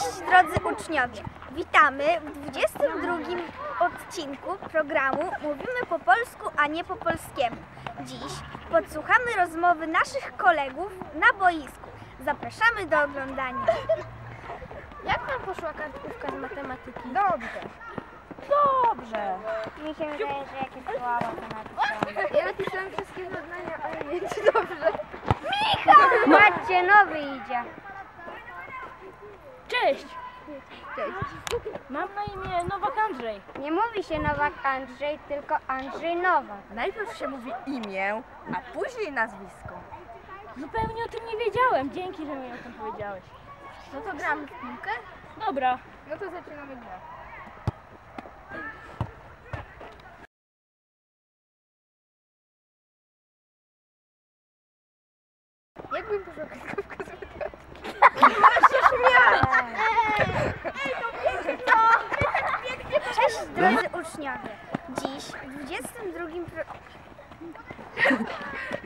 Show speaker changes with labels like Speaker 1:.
Speaker 1: Cześć drodzy uczniowie! Witamy w 22 odcinku programu Mówimy po polsku, a nie po polskiemu. Dziś podsłuchamy rozmowy naszych kolegów na boisku. Zapraszamy do oglądania.
Speaker 2: Jak nam poszła kartkówka z matematyki?
Speaker 3: Dobrze.
Speaker 2: Dobrze.
Speaker 1: Mi się wydaje, że jakieś słabo to napisane.
Speaker 2: Ja napisałam wszystkie zadania, ale nie czy dobrze.
Speaker 1: Patrzcie, nowy idzie.
Speaker 4: Cześć!
Speaker 2: Cześć.
Speaker 4: Mam na imię Nowak Andrzej.
Speaker 1: Nie mówi się Nowak Andrzej, tylko Andrzej Nowak.
Speaker 3: Najpierw się mówi imię, a później nazwisko.
Speaker 4: Zupełnie o tym nie wiedziałem. Dzięki, że mi o tym powiedziałeś.
Speaker 2: No to gramy w piłkę?
Speaker 4: Dobra.
Speaker 2: No to zaczynamy grę. Jakbym poszła kartkówka z matematyki?
Speaker 1: Cześć drodzy uczniowie! Dziś w 22